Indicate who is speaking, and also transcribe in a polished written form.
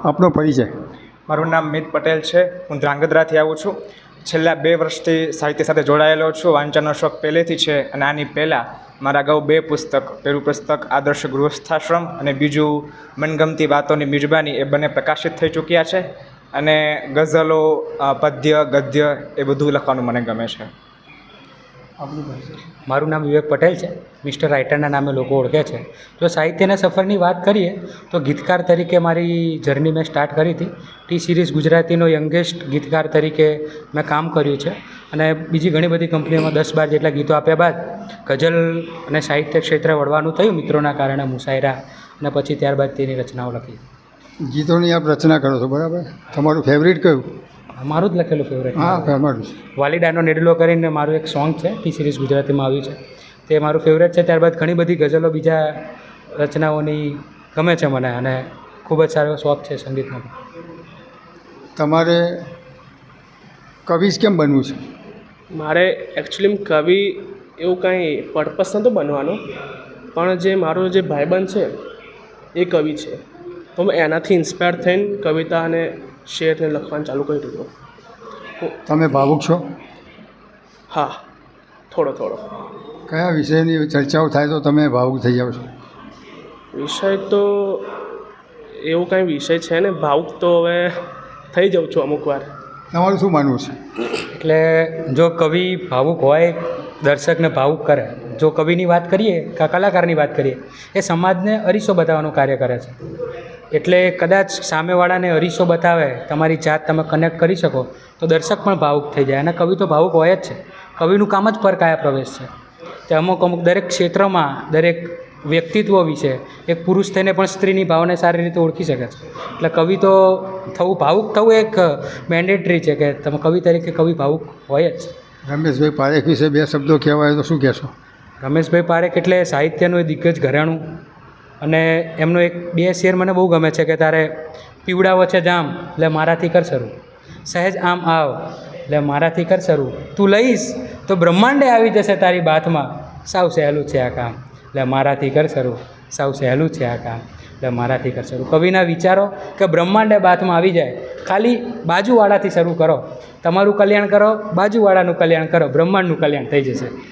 Speaker 1: આપનો પરિચય?
Speaker 2: મારું નામ મિત પટેલ છે. હું ધ્રાંગધ્રાથી આવું છું. છેલ્લા 2 વર્ષથી સાહિત્ય સાથે જોડાયેલો છું. વાંચનનો શોખ પહેલેથી છે અને આની પહેલાં મારા અગાઉ 2 પુસ્તક, પહેલું પુસ્તક આદર્શ ગૃહસ્થાશ્રમ અને બીજું મનગમતી વાતોની મિજબાની, એ બંને પ્રકાશિત થઈ ચૂક્યા છે. અને ગઝલો, પદ્ય, ગદ્ય એ બધું લખવાનું મને ગમે છે.
Speaker 3: મારું નામ વિવેક પટેલ છે. મિસ્ટર રાઇટરના નામે લોકો ઓળખે છે. જો સાહિત્યના સફરની વાત કરીએ તો ગીતકાર તરીકે મારી જર્ની મેં સ્ટાર્ટ કરી હતી. ટી સિરીઝ ગુજરાતીનો યંગેસ્ટ ગીતકાર તરીકે મેં કામ કર્યું છે અને બીજી ઘણી બધી કંપનીઓમાં 10-12 જેટલા ગીતો આપ્યા બાદ ગઝલ અને સાહિત્ય ક્ષેત્રે વળવાનું થયું મિત્રોના કારણે, મુશાયરા, અને પછી ત્યારબાદ તેની રચનાઓ લખી.
Speaker 1: ગીતોની આપ રચના કરો છો, બરાબર? તમારું ફેવરિટ કયું?
Speaker 3: મારું જ લખેલું ફેવરેટ.
Speaker 1: હા, ફેવરિટ.
Speaker 3: વાલીડાનો નેડલો કરીને મારું એક સોંગ છે, ટી સિરીઝ ગુજરાતીમાં આવ્યું છે, તે મારું ફેવરેટ છે. ત્યારબાદ ઘણી બધી ગઝલો બીજા રચનાઓની ગમે છે મને અને ખૂબ જ સારો શોખ છે સંગીતનો.
Speaker 1: તમારે કવિ કેમ બનવું છે?
Speaker 4: મારે એકચ્યુઅલી કવિ એવું કાંઈ પર્પસ નહોતો બનવાનો, પણ જે મારો જે ભાઈબંધ છે એ કવિ છે, તો મેં એનાથી ઇન્સ્પાયર થઈને કવિતા અને શેરને લખવાનું ચાલુ કર્યું હતું.
Speaker 1: તમે ભાવુક છો?
Speaker 4: હા, થોડો.
Speaker 1: કયા વિષયની ચર્ચાઓ થાય તો તમે ભાવુક થઈ જાઓ છો?
Speaker 4: વિષય તો એવું કાંઈ વિષય છે ને, ભાવુક તો હવે થઈ જાઉં છું અમુક વાર.
Speaker 1: તમારું શું માનવું છે?
Speaker 3: એટલે જો કવિ ભાવુક હોય, દર્શકને ભાવુક કરે. જો કવિની વાત કરીએ કે કલાકારની વાત કરીએ, એ સમાજને અરીસો બતાવવાનું કાર્ય કરે છે. એટલે કદાચ સામેવાળાને અરીસો બતાવે, તમારી જાત તમે કનેક્ટ કરી શકો તો દર્શક પણ ભાવુક થઈ જાય. અને કવિ તો ભાવુક હોય જ છે. કવિનું કામ જ પરકાયા પ્રવેશ છે. તે અમુક દરેક ક્ષેત્રમાં, દરેક વ્યક્તિત્વ વિશે એક પુરુષ થઈને પણ સ્ત્રીની ભાવને સારી રીતે ઓળખી શકે છે. એટલે કવિ તો થવું, ભાવુક થવું એક મેન્ડેટરી છે કે તમે કવિ તરીકે કવિ ભાવુક હોય જ.
Speaker 1: રમેશભાઈ પારેખ વિશે 2 શબ્દો કહેવાય તો શું કહેશો?
Speaker 3: રમેશભાઈ પારેખ એટલે સાહિત્યનું એ દિગ્ગજ ઘરાણું, અને એમનો 2 શેર મને બહુ ગમે છે કે તારે પીવડાવો છે જામ એટલે મારાથી કર શરૂ, સહેજ આમ આવ એટલે મારાથી કર શરૂ, તું લઈશ તો બ્રહ્માંડે આવી જશે તારી બાતમાં, સાવ સહેલું છે આ કામ એટલે મારાથી કર શરૂ, સાવ સહેલું છે આ કામ એટલે મારાથી કર શરૂ. કવિના વિચારો કે બ્રહ્માંડે બાતમાં આવી જાય, ખાલી બાજુવાળાથી શરૂ કરો, તમારું કલ્યાણ કરો, બાજુવાળાનું કલ્યાણ કરો, બ્રહ્માંડનું કલ્યાણ થઈ જશે.